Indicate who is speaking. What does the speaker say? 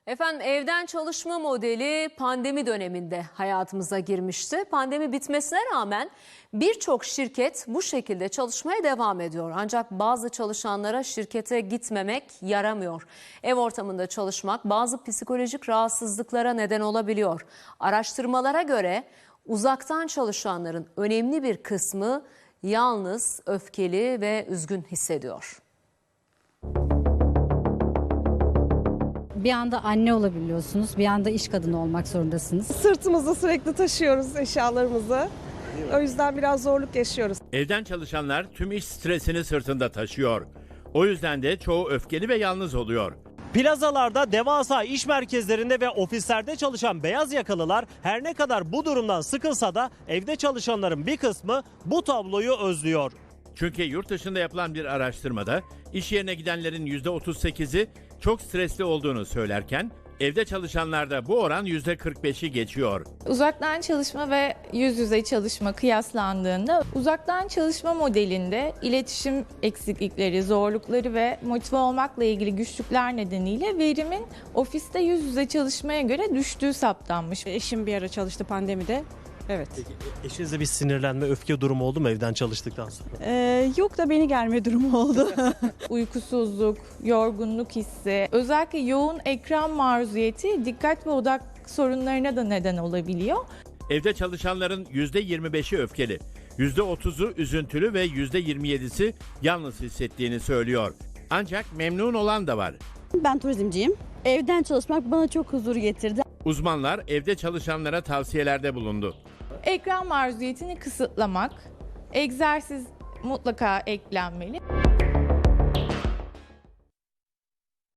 Speaker 1: Efendim evden çalışma modeli pandemi döneminde hayatımıza girmişti. Pandemi bitmesine rağmen birçok şirket bu şekilde çalışmaya devam ediyor. Ancak bazı çalışanlara şirkete gitmemek yaramıyor. Ev ortamında çalışmak bazı psikolojik rahatsızlıklara neden olabiliyor. Araştırmalara göre uzaktan çalışanların önemli bir kısmı yalnız, öfkeli ve üzgün hissediyor.
Speaker 2: Bir anda anne olabiliyorsunuz, bir anda iş kadını olmak zorundasınız.
Speaker 3: Sırtımızda sürekli taşıyoruz eşyalarımızı. O yüzden biraz zorluk yaşıyoruz.
Speaker 4: Evden çalışanlar tüm iş stresini sırtında taşıyor. O yüzden de çoğu öfkeli ve yalnız oluyor.
Speaker 5: Plazalarda, devasa iş merkezlerinde ve ofislerde çalışan beyaz yakalılar her ne kadar bu durumdan sıkılsa da evde çalışanların bir kısmı bu tabloyu özlüyor.
Speaker 4: Çünkü yurt dışında yapılan bir araştırmada iş yerine gidenlerin %38'i çok stresli olduğunu söylerken evde çalışanlarda bu oran %45'i geçiyor.
Speaker 6: Uzaktan çalışma ve yüz yüze çalışma kıyaslandığında uzaktan çalışma modelinde iletişim eksiklikleri, zorlukları ve motive olmakla ilgili güçlükler nedeniyle verimin ofiste yüz yüze çalışmaya göre düştüğü saptanmış.
Speaker 3: Eşim bir ara çalıştı pandemide. Evet.
Speaker 5: Peki eşinizde bir sinirlenme, öfke durumu oldu mu evden çalıştıktan sonra?
Speaker 3: Yok da beni gelme durumu oldu.
Speaker 6: Uykusuzluk, yorgunluk hissi, özellikle yoğun ekran maruziyeti dikkat ve odak sorunlarına da neden olabiliyor.
Speaker 4: Evde çalışanların %25'i öfkeli, %30'u üzüntülü ve %27'si yalnız hissettiğini söylüyor. Ancak memnun olan da var.
Speaker 7: Ben turizmciyim. Evden çalışmak bana çok huzur getirdi.
Speaker 4: Uzmanlar evde çalışanlara tavsiyelerde bulundu.
Speaker 6: Ekran maruziyetini kısıtlamak, egzersiz mutlaka eklenmeli.